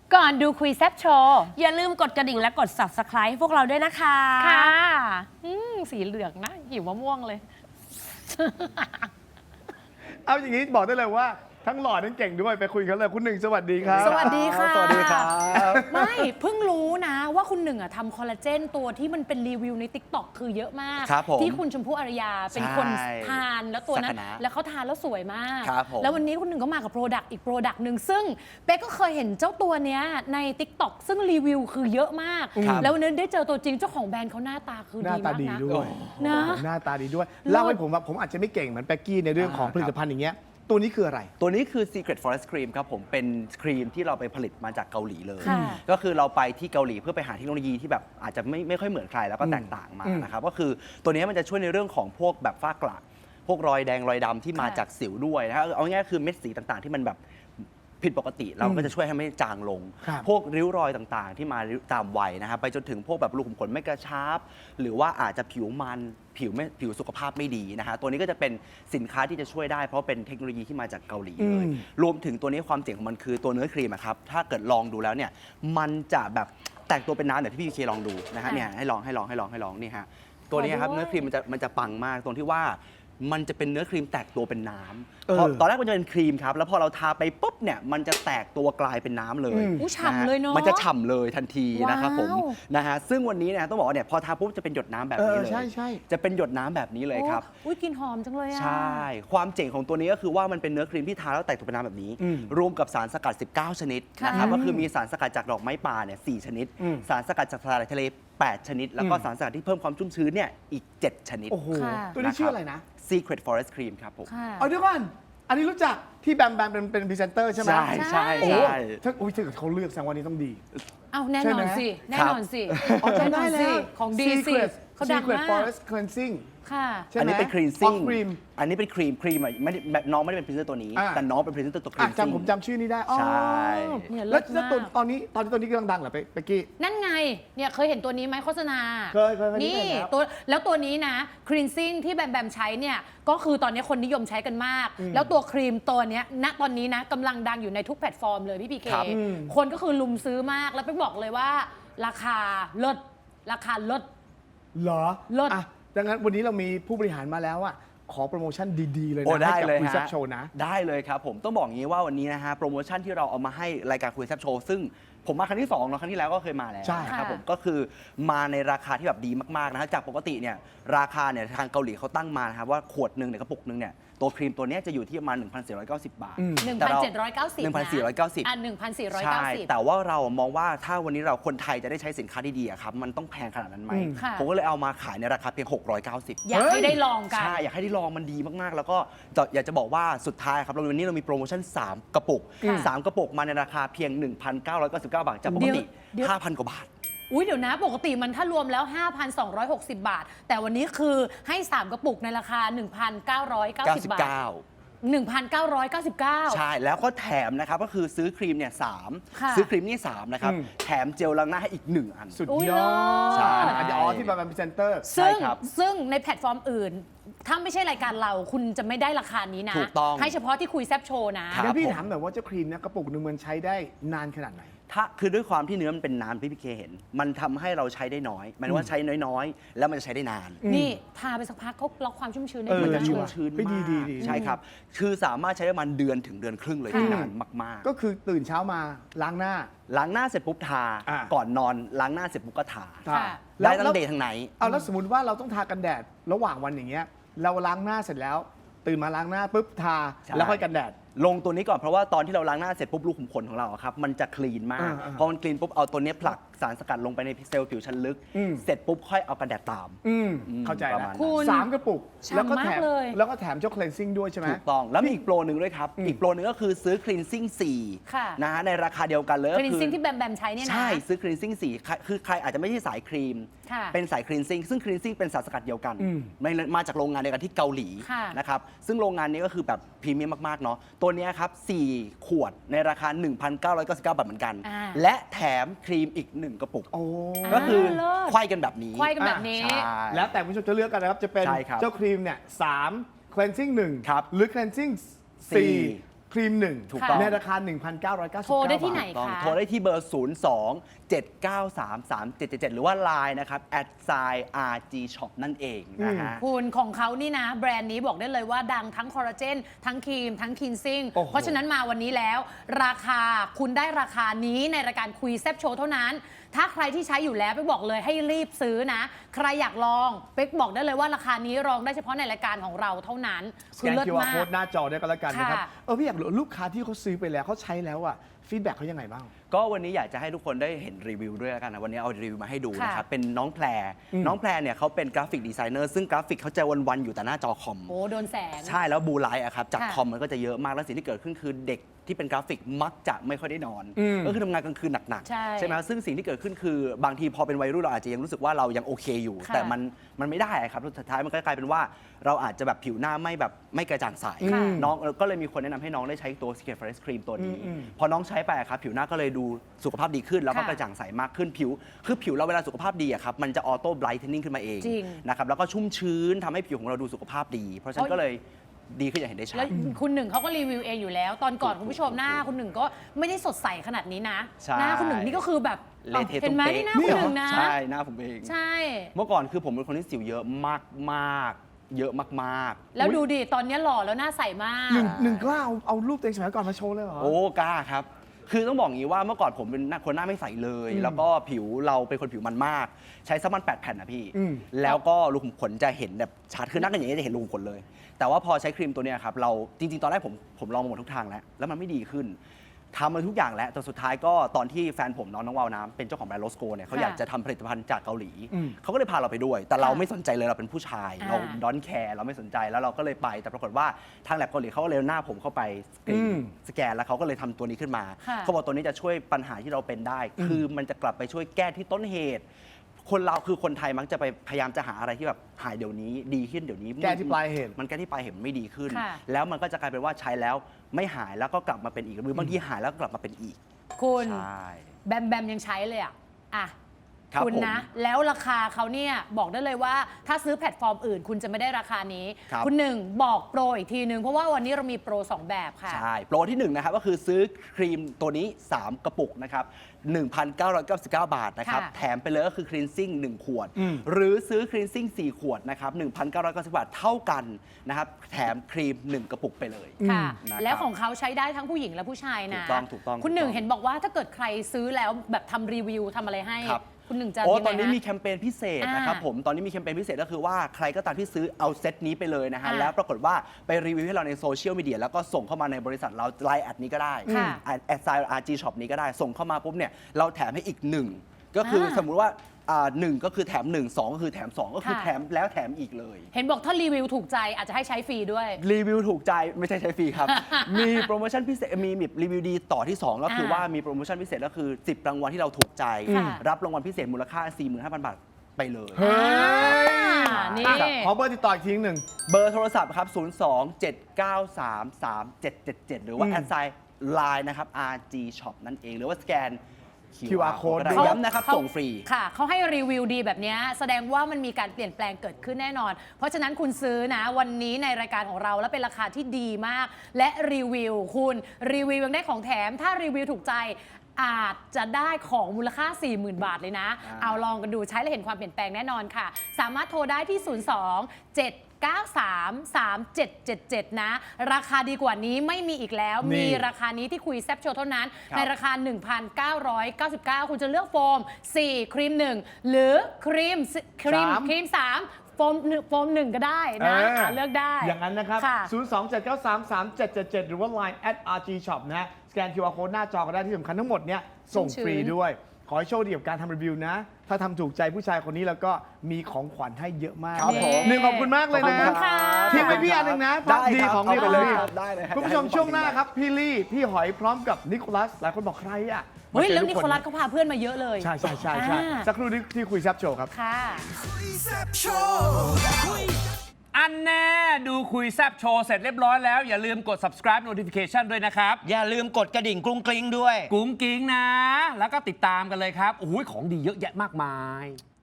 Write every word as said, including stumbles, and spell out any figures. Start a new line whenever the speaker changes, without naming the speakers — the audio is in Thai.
ก่อนดูคุยแซบโชว์
อย่าลืมกดกระดิ่งและกด ซับสไครบ์ ให้พวกเราด้วยนะคะ
ค่ะอืมสีเหลืองนะหิวมะม่วงเลย
เอาอย่างนี้บอกได้เลยว่าทั้งหล่อทั้งเก่งด้วยไปคุยกันเลยคุณหนึ่งสวัสดีครับ
สวัสดีค่ะ
สวัสดีครับ
ไม่เพิ่งรู้นะว่าคุณหนึ่งอะทำคอลลาเจนตัวที่มันเป็นรีวิวใน ติ๊กต็อก คือเยอะมาก
ครับผม
ที่คุณชมพู่อารยาเป็นคน
ใช่
ทานแล้วตัวนั้น
สักนะ
แล้วเขาทานแล้วสวยมาก
ครับผม
แล้ววันนี้คุณหนึ่งก็มากับโปรดักต์อีกโปรดักต์หนึ่งซึ่งเป๊กก็เคยเห็นเจ้าตัวเนี้ยใน ติ๊กต็อก ซึ่งรีวิวคือเยอะมาก
ครับ
แล้ววันนี้ได้เจอตัวจริงเจ้าของแบรนด์เขาหน้าตาคือ
หน้า
ดี
ตาม
าก
ดี
นะ
ด้วย
นะ
หน้าตาดีด้วยเล่าให้ผมว่าผมอาจจะไม่เก่งเหมือนแป๊กกี้ในเรื่องของ
อ่า
ผลิตภัณฑ์อย่างเงี้ยตัวนี้คืออะไร
ตัวนี้คือ Secret Forest Cream ครับผมเป็นครีมที่เราไปผลิตมาจากเกาหลีเลย
ค่ะ
ก็คือเราไปที่เกาหลีเพื่อไปหาเทคโนโลยีที่แบบอาจจะไม่ไม่ค่อยเหมือนใครแล้วก็
อืม
แตกต่างมา
อืม
นะครับก็คือตัวนี้มันจะช่วยในเรื่องของพวกแบบฝ้ากระพวกรอยแดงรอยดำที่มา
ค่ะ
จากสิวด้วยนะฮะเอาง่ายๆคือเม็ดสีต่างๆ ที่มันแบบผิดปกติเราก็จะช่วยให้ไม่จางลง
ครับ
พวกริ้วรอยต่างๆ ที่มาตามวัยนะครับไปจนถึงพวกแบบรูขุมขนไม่กระชับหรือว่าอาจจะผิวมันผิวไม่ผิวสุขภาพไม่ดีนะฮะตัวนี้ก็จะเป็นสินค้าที่จะช่วยได้เพราะเป็นเทคโนโลยีที่มาจากเกาหลีเลย
อืม
รวมถึงตัวนี้ความเจ๋งของมันคือตัวเนื้อครีมอะครับ ถ้าเกิดลองดูแล้วเนี่ย มันจะแบบแตกตัวเป็นน้ำเดี๋ยวที่พี่เคลองดูนะฮะ
ค่ะ
เนี่ยให้ลองให้ลองให้ลองให้ลองนี่ฮะ ตัวนี้ครับ
ขอด้วย
เนื้อครีมมันจะมันจะปังมากตรงที่ว่ามันจะเป็นเนื้อครีมแตกตัวเป็นน้
เออ
ำพอตอนแรกมันจะเป็นครีมครับ แล้วพอเราทาไปปุ๊บเนี่ยมันจะแตกตัวกลายเป็นน้ำเลย
อืม
อู้ฉ่ำเลยเนอะ
มันจะฉ่ำเลยทันทีนะครับผม
ว้าว
นะฮะซึ่งวันนี้เนี่ยต้องบอกว่าเนี่ยพอทาปุ๊บจะเป็นหยดน้ำแบบนี้
เออ
เลย
ใช่ใช่
จะเป็นหยดน้ำแบบนี้เลยครับ
โอ้อุ้ยกลินหอมจังเลยอะ
ใช่ ความเจ๋งของตัวนี้ก็คือว่ามันเป็นเนื้อครีมที่ทาแล้วแตกตัวเป็นน้ำแบบนี้
อืม
รวมกับสารสกัด สิบเก้า ชนิด
ค่ะ
นะครับ ก็คือมีสารสกัดจากดอกไม้ป่าเนี่ย สี่ ชนิด
อืม
สารสกัดจากสาหร่ายทะเล แปด ชนิด แล้วก็
อืม
สารสกัดที่เพิ่มความชุ่มชื้นเนี่ยอีก เจ็ด ชนิด
โอ้โห
ค่ะ
ตัวนี้ชื่ออะไรนะ
Secret Forest Cream ครับผม
ค่ะ
เอาเดี๋ยวก่อนอันนี้รู้จักที่แบมแบมเป็นเป็นพรีเซนเตอร์ใช่ไหม
ใช่ใช่
โอ้
ใช่
ถ้าอุ้ยถ้าเกิดเขาเลือกแสดงว่านี้ต้องดี
เอาแน่
ใช่
น
ไหม
อนสิ แน่นอนสิ
อ๋อจำได้แล้ว
แน่นอนสิของดีสิ
Secret
เขาดัง
Secret
มาก
Forest Cleansing
ค่ะ
ใช่ไหม
อันนี้เป็นครีม
อ๋
ซิ่
อง ครีม
อันนี้เป็นครีมครีมอ่ะไม่ได้แบบน้องไม่ได้เป็นพรีเซนเตอร์ตัวนี้
อ่า
แต่น้องเป็นพรีเซนเตอร์ตัวครี
อ่ะ
มซิ่ง
จำผมจำชื่อนี้ได้อ๋อ
ใช่
เนี่ยเลิ
แล้ว
ศ
แล้ว
มาก
ตัวตอนนี้ตอนนี้ตัวนี้กำลังดังเหรอเป๊กกี้
นั่นไง เนี่ยเคยเห็นตัวนี้ไหมโฆษณา
เคยเคยเคย
นี่
เคยครับ
ตัวแล้วตัวนี้นะ ครีนซิ่งที่แบมแบมใช้เนี่ย ก็คือตอนนี้คนนิยมใช้กันมาก
อืม
แล้วตัวครีมตัวเนี้ยณตอนนี้นะกำลังดังอยู่ในทุกแพลตฟอร์มเลยพี่พีเค
ครับ
อืม
คนก็คือลุมซื้อมาก แล้วไปบอกเลยว่า ราคาลดราคาลด
เหรอ
เลิศ
อ่ะดังนั้นวันนี้เรามีผู้บริหารมาแล้วอ่ะขอโปรโมชั่นดีๆเลย
โอ้
นะ
ได้
ให้กับ
เลย
คุยแซ่บ
ฮะ
โชว์นะ
ได้เลยครับผมต้องบอกอย่างนี้ว่าวันนี้นะฮะโปรโมชั่นที่เราเอามาให้รายการคุยแซบโชว์ซึ่งผมมาครั้งที่สองเนาะครั้งที่แล้วก็เคยมาแล้ว
ใช่
นะครับ
ค่ะ
ผมก็คือมาในราคาที่แบบดีมากๆนะฮะจากปกติเนี่ยราคาเนี่ยทางเกาหลีเขาตั้งมานะครับว่าขวดหนึ่งเนี่ยกระปุกหนึ่งเนี่ยตัวครีมตัวเนี้ยจะอยู่ที่ประมาณ หนึ่งพันสี่ร้อยเก้าสิบ บาท
อืม
หนึ่ง
แต่
พัน
เรา
เจ็ดร้อยเก้าสิบ
หนึ่งพันสี่ร้อยเก้าสิบ
อ่ะหนึ่งพันสี่ร้อย
ใช่
เก้าสิบ
แต่ว่าเรามองว่าถ้าวันนี้เราคนไทยจะได้ใช้สินค้าดีๆอะครับมันต้องแพงขนาดนั้นไหม
อืม
ค่ะ
ผมก็เลยเอามาขายในราคาเพียงหกร้อยเก้าสิบ
อยากให้ได้ลองกัน
ใช่ อยากให้ได้ลองมันดีมาก ๆ แล้วก็จะอยากจะบอกว่าสุดท้ายครับเราวันนี้เรามีโปรโมชั่น สาม กระปุก
ค่ะ
สาม กระปุกมาในราคาเพียง หนึ่งพันเก้าร้อยเก้าสิบเก้า บาท จากปกติ
เดี๋ยว
ห้าพัน กว่าบาท
อุ้ยเดี๋ยวนะ ปกติมันถ้ารวมแล้ว ห้าพันสองร้อยหกสิบ บาท แต่วันนี้คือให้ สาม กระปุกในราคา หนึ่งพันเก้าร้อยเก้าสิบ บาท หนึ่งพันเก้าร้อยเก้าสิบเก้า
ใช่ แล้วก็แถมนะครับ ก็คือซื้อครีมเนี่ยสาม
ค่ะ
ซื้อครีมนี่สามนะครับ
อืม
แถมเจลล้างหน้าให้อีก หนึ่ง อัน
สุด
อุ๊ย
ยอ
เลิ
ด
ศ
ใช่
อันนี้อ๋อที่มาเป็นพรีเซนเตอร์
ซึ่ง
ใช่ครับ
ซึ่งในแพลตฟอร์มอื่น ถ้าไม่ใช่รายการเราคุณจะไม่ได้ราคานี้นะ
ถูกต้อง
ให้เฉพาะที่คุยแซบโชว์นะ
ครับ
งั้นพี่
ผม
ถามหน่อยว่าเจ้าครีมเนี่ยกระปุกหนึงมันใช้ได้นานขนาดไหน
ถ้าคือด้วยความที่เนื้อมันเป็นน้ำที่พี่เคเห็น มันทำให้เราใช้ได้น้อยหมายถึงว่าใช้น้อยๆ แล้วมันจะใช้ได้นาน
อืม
นี่ทาไปสักพักเขาล็อกความชุ่มชื้นได้
เออ
มัน
ดี
จะ
มาก
ชุ่ม
เลย
ชื้น
เฮ้ยดี
มาก
ดีดี
ใช่ครับ คือสามารถใช้ได้ประมาณเดือนถึงเดือนครึ่งเลย
ค่ะ
ที่นานมาก
ก็คือตื่นเช้ามาล้างหน้า
ๆ ล้างหน้าเสร็จปุ๊บทา
อ่า
ก่อนนอนล้างหน้าเสร็จปุ๊บก็ทา
ค่ะ
ได้
แล้ว
ทั้งเดย์ทั้งไนท์
เอาแล้วสมมติว่าเราต้องทากันแดดระหว่างวันอย่างเงี้ยเราล้างหน้าเสร็จแล้ว ตื่นมาล้างหน้าปุ๊บทา
ใช่
แล้วค่อยกันแดด
ลงตัวนี้ก่อนเพราะว่าตอนที่เราล้างหน้าเสร็จปุ๊บรูขุมขนของเราอะครับมันจะคลีนมาก
อ่าๆ
พอมันคลีนปุ๊บเอาตัวเนี้ยผลักสารสกัดลงไปในเซลล์ผิวชั้นลึก
อืม
เสร็จปุ๊บค่อยเอากันแดดตาม
อืม
อืม
เข้าใจ
ประ
แล้ว
มาณนั้น
คุณ
สามกระปุก
ฉ่ำ
แล้วก็แถ
มาก
ม
เลย
แล้วก็แถมเจ้า cleansing ด้วยใช่ไหม
ถูกต้อง แล้วมีอีกโปรหนึ่งด้วยครับ
อืม
อีกโปรหนึ่งก็คือซื้อ cleansing สี่
ค่ะ
นะฮะในราคาเดียวกันเลย
ค
ก็
รีน
คือ
ซิ่งที่แบมแบมใช้เนี่ยนะ
ใช่ ซื้อ cleansing สี่ใครคือใครอาจจะไม่ใช่สายครีม
ค่ะ
เป็นสาย cleansing ซึ่ง cleansing เป็นสารสกัดเดียวกัน
อืม
ไม่มาจากโรงงานเดียวกันที่เกาหลี
ค่ะ
นะครับ ซึ่งโรงงานนี้ก็คือแบบพรีเมียมมาก ๆ เนาะ ตัวเนี้ยครับ สี่ขวดในราคา หนึ่งพันเก้าร้อยเก้าสิบเก้า บาทเหมือนกัน
อ่า
และแถมครีมอีก หนึ่ง กระปุก
โอ้
ก็คือ
เลิศ
ไขว้กันแบบนี้
ไขว้กันแบบนี้
ใช่
แล้วแต่คุณผู้ชมจะเลือกกันนะครับ จะเป็น
ใช่ครับ
เจ้าครีมเนี่ยสาม cleansing หนึ่ง
ครับ
หรือ cleansing
สี่
สี่ครีมหนึ่ง
ถูกต้อง
ในราคา หนึ่งพันเก้าร้อยเก้าสิบ
โทร
เก้า
ได้ที่ไหน
บาท
ต้อง
คะ
โทรได้ที่เบอร์ ศูนย์ สอง เจ็ด เก้า สาม สาม เจ็ด เจ็ด เจ็ด หรือว่า ไลน์ นะครับ แอท ไซน์ อาร์ จี ช็อป นั่นเองนะฮะ
คุณของเขานี่นะ แบรนด์นี้บอกได้เลยว่าดังทั้งคอลลาเจนทั้งครีม ทั้งคินซิ่ง
โอ้โห
เพราะฉะนั้นมาวันนี้แล้ว ราคาคุณได้ราคานี้ในรายการคุยแซบโชว์เท่านั้น ถ้าใครที่ใช้อยู่แล้วเป๊กบอกเลยให้รีบซื้อนะ ใครอยากลองเป๊กบอกได้เลยว่าราคานี้ลองได้เฉพาะในรายการของเราเท่านั้น
ส
คื
แก
อน เลิศ
คิว อาร์
มาก
Code หน้าจอได้ก็แล้วกันนะครับ
ค่ะ
เออพี่อยากรู้ลูกค้าที่เขาซื้อไปแล้วเขาใช้แล้วอะฟีดแบ็กเขายังไงบ้าง
ก็วันนี้อยากจะให้ทุกคนได้เห็นรีวิวด้วยแล้วกันนะวันนี้เอารีวิวมาให้ดูนะครับ
ค่ะ
เป็นน้องแพร
อืม
น้องแพรเนี่ยเขาเป็นกราฟิกดีไซเนอร์ซึ่งกราฟิกเขาจะวันๆอยู่แต่หน้าจอคอม
โอ้โดนแสง
ใช่แล้วบูไลท์อะครับจาก
ค่ะ
คอมมันก็จะเยอะมาก แล้วสิ่งที่เกิดขึ้นคือเด็กที่เป็นกราฟิกมักจะไม่ค่อยได้นอน
อืม
ก็คือทำงานกลางคืนหนัก
ใช่
ไหมซึ่งสิ่งที่เกิดขึ้นคือบางทีพอเป็นวัยรุ่นเราอาจจะยังรู้สึกว่าเรายังโอเคอยู่
ค่ะ
แต่มันมันไม่ได้อะครับสุดท้ายมันก็กลายเป็นว่าเราอาจจะแบบผิวหน้าไม่แบบไม่กระจ่างใส
ค่ะ
น้องก็เลยมีคนแนะนำให้น้องได้ใช้ตัว Skin Fresh Cream ตัวนี้
อืมอืม
พอน้องใช้ไปอะครับผิวหน้าก็เลยดูสุขภาพดีขึ้น แล้วก็
ค่ะ
กระจ่างใสมากขึ้นผิว คือผิวเราเวลาสุขภาพดีอะครับมันจะออโต้ไบรท์เทนนิ่งขึ้นมาเอง
จริง
นะครับแล้วก็ชุ่มชื้นทำให้ผิวของเราดูสุขภาพดี เพราะฉะนั้นก็เลยดีขึ้นอย่างเห็นได้ชั
แล้
ด
วคุณหนึ่งเขาก็รีวิวเองอยู่แล้ว ตอนก่อนคุณผู้ชมหน้าคุณหนึ่งก็ไม่ได้สดใสขนาดนี้นะ
ใช่
หน้าคุณหนึ่งนี่ก็คือแบบ
เละเทะ
เห็นไหม
ตุ้มเป๊ะ
นี่หน้าคุณหนึ่งนะ
ใช่หน้าผมเอง
ใช่
เมื่อก่อนคือผมเป็นคนที่สิวเยอะมากมากๆเยอะมาก
แล้วดูดิตอนนี้หล่อแล้วหน้าใสมาก
หนึ่งหนึ่งกล้าเอาเอารูปตัวเองสมัยก่อนมาโชว์เลยเหรอ
ๆ โอ้กล้าครับ คือต้องบอกอย่างนี้ว่าเมื่อก่อนผมเป็นหน้าคนหน้าไม่ใสเลย
อืม
แล้วก็ผิวเราเป็นคนผิวมันมาก ใช้ซัมันแปดแผ่นนะพี่
อืม
แล้วก็รูขุมขนจะเห็นแบบชัดคือนั่งกันอย่างนี้จะเห็นรูขุมขนเลย แต่ว่าพอใช้ครีมตัวเนี้ยครับเราจริง ๆ ตอนแรกผมผมลองมาหมดทุกทางแล้ว แล้วมันไม่ดีขึ้นทำมาทุกอย่างแล้วแต่สุดท้ายก็ตอนที่แฟนผมน้องน้องวาวน้ำเป็นเจ้าของแบรนด์โลสโกเนี่ยเขา
ค่ะ
อยากจะทำผลิตภัณฑ์จากเกาหลี
อืม
เขาก็เลยพาเราไปด้วย แต่เรา
ค่ะ
ไม่สนใจเลยเราเป็นผู้ชาย
อ่า
เราดอนแคร์เราไม่สนใจแล้วเราก็เลยไป แต่ปรากฏว่าทางแลบเกาหลีเขาก็เลยเอาหน้าผมเข้าไปสกรี
อื
น
ม
สแกนแล้วเขาก็เลยทำตัวนี้ขึ้นมา
ค่ะ
เขาบอกตัวนี้จะช่วยปัญหาที่เราเป็นได้ คือมันจะกลับไปช่วยแก้ที่ต้นเหตุ คนเราคือคนไทยมักจะไปพยายามจะหาอะไรที่แบบหายเดี๋ยวนี้ดีขึ้นเดี๋ยวนี้
แก้ที่ปลายเหตุ
มันแก้ที่ปลายเหตุมันไม่ดีขึ้น
ค่ะ
แล้วมันก็จะกลายเป็นว่าใช้แล้วไม่หายแล้วก็กลับมาเป็นอีกหรือบางทีหายแล้วก็กลับมาเป็นอีก
คุณ
ใช่
แบมแบมยังใช้เลยอ่ะอ่ะ
ครับ
คุณนะ
ผม
แล้วราคาเขาเนี่ยบอกได้เลยว่าถ้าซื้อแพลตฟอร์มอื่น คุณจะไม่ได้ราคานี้
ครับ
คุณหนึ่งบอกโปรอีกทีนึง เพราะว่าวันนี้เรามีโปรสองแบบค่ะ
ใช่ โปรที่หนึ่งนะครับก็คือซื้อครีมตัวนี้ สาม กระปุกนะครับ หนึ่งพันเก้าร้อยเก้าสิบเก้า บาทนะครับ
ค่ะ
แถมไปเลยก็คือครีนซิ่งหนึ่งขวด
อืม
หรือซื้อครีนซิ่งสี่ขวดนะครับ หนึ่งพันเก้าร้อยเก้าสิบ บาทเท่ากันนะครับ แถมครีม หนึ่ง กระปุกไปเลย
ค่ะ
นะครับ
แล้วของเขาใช้ได้ทั้งผู้หญิงและผู้ชายนะ
ถูกต้องถูกต้อง
คุณหนึ่ง
ถูกต้อง
เห็นบอกว่าถ้าเกิดใครซื้อแล้วแบบทำรีวิวทำอะไรให้
ครับ
คุณหนึ่งจะ
โอ้
ยังไง
ตอนนี้
ฮะ
มีแคมเปญพิเศษนะครับ
อ่า
ผม ตอนนี้มีแคมเปญพิเศษก็คือว่าใครก็ตามที่ซื้อเอาเซตนี้ไปเลยนะฮะ
อ่า
แล้วปรากฏว่าไปรีวิวให้เราในโซเชียลมีเดียแล้วก็ส่งเข้ามาในบริษัทเราไลน์แอดนี้ก็ได้
ค่ะ
แอดไซน์ อาร์ จี ช็อป นี้ก็ได้ ส่งเข้ามาปุ๊บเนี่ยเราแถมให้อีกหนึ่งก็คืออา สมมุติว่าอ่าหนึ่งก็คือแถมหนึ่งสองก็คือแถมสองก็คือ
ค่ะ
แถมแล้วแถมอีกเลย
เห็นบอกถ้ารีวิวถูกใจอาจจะให้ใช้ฟรีด้วย
รีวิวถูกใจไม่ใช่ใช้ฟรี ครับ มีโปรโมชั่นพิเศษมีมีรีวิวดีต่อที่ สอง ก็คือ
อ่า
ว่ามีโปรโมชั่นพิเศษก็คือสิบรางวัลที่เราถูกใจ
ค่ะ
รับรางวัลพิเศษมูลค่า สี่หมื่นห้าพัน บาทไปเลย
เฮ้ย
อ่านี่
อ่ะขอเบอร์ติดต่ออีกทีหนึ่ง
เบอร์โทรศัพท์ครับ ศูนย์ สอง เจ็ด เก้า สาม สาม เจ็ด เจ็ด เจ็ด หรือว่า
อืม
แอดไซน์ไลน์นะครับ อาร์ จี ช็อป นั่นเอง หรือว่าสแกน
คิว อาร์ Code
ก็ได้
ด้วย
ย้ำนะครับ
เขา
ส่งฟรี
ค่ะเขาให้รีวิวดีแบบเนี้ยแสดงว่ามันมีการเปลี่ยนแปลงเกิดขึ้นแน่นอน เพราะฉะนั้นคุณซื้อนะวันนี้ในรายการของเราแล้วเป็นราคาที่ดีมาก และรีวิวคุณรีวิวยังได้ของแถม ถ้ารีวิวถูกใจอาจจะได้ของมูลค่า สี่หมื่น บาทเลยนะ
อ่า
เอาลองกันดูใช้แล้วเห็นความเปลี่ยนแปลงแน่นอนค่ะ สามารถโทรได้ที่ ศูนย์ สอง เจ็ด เก้า สาม สาม เจ็ด เจ็ด เจ็ด นะ ราคาดีกว่านี้ไม่มีอีกแล้ว
นี่
มีราคานี้ที่คุยแซบโชว์เท่านั้น
ครับ
ในราคา หนึ่งพันเก้าร้อยเก้าสิบเก้า คุณจะเลือกโฟม สี่ ครีม หนึ่ง หรือครีมครีม
สาม
ครีม สาม โฟมหนึ่งโฟมหนึ่งก็ได้นะ
เออ
อ่ะเลือกได้
อย่างนั้นนะครับ
ค่ะ
ศูนย์ สอง เจ็ด เก้า สาม สาม เจ็ด เจ็ด เจ็ด หรือว่า ไลน์ แอท อาร์ จี ช็อป นะ สแกน คิว อาร์ Code หน้าจอก็ได้ที่สำคัญทั้งหมดเนี่ยส่ง
ชุ่มชื้น
ฟรีด้วย ขอให้โชคดีกับการทำรีวิวนะ ถ้าทำถูกใจผู้ชายคนนี้แล้วก็มีของขวัญให้เยอะมาก
ครับผม
หนึ่งขอบคุณมากเลย
ขอบ
นะ
คุณค่ะ
ทิ้งไว้พี่อันหนึ่งนะ
ได้
ดี
ครับ
ของดีของ
เอาเลย
พี่
ครับได้เลยครับ
คุณผู้ชมช่วงหน้าครับพี่ลี่พี่หอยพร้อมกับนิโคลัสหลายคนบอกใครอ่ะ
เฮ้ย
มาจอ
แล้ว
ทุ
นิ
ก
โคลัสเขาพาเพื่อนมาเยอะเลย
ใช่ใช่ใช่ใช่
อ่า
สักครู่นี้ที่คุยแซบโชว์ครับ
ค่ะ
อันแน่ดูคุยแซบโชว์เสร็จเรียบร้อยแล้ว อย่าลืมกด subscribe notification ด้วยนะครับ
อย่าลืมกดกระดิ่งกรุ้งกริ้งด้วย
กุ้งกิ้งนะ แล้วก็ติดตามกันเลยครับ โอ้โหของดีเยอะแยะมากมาย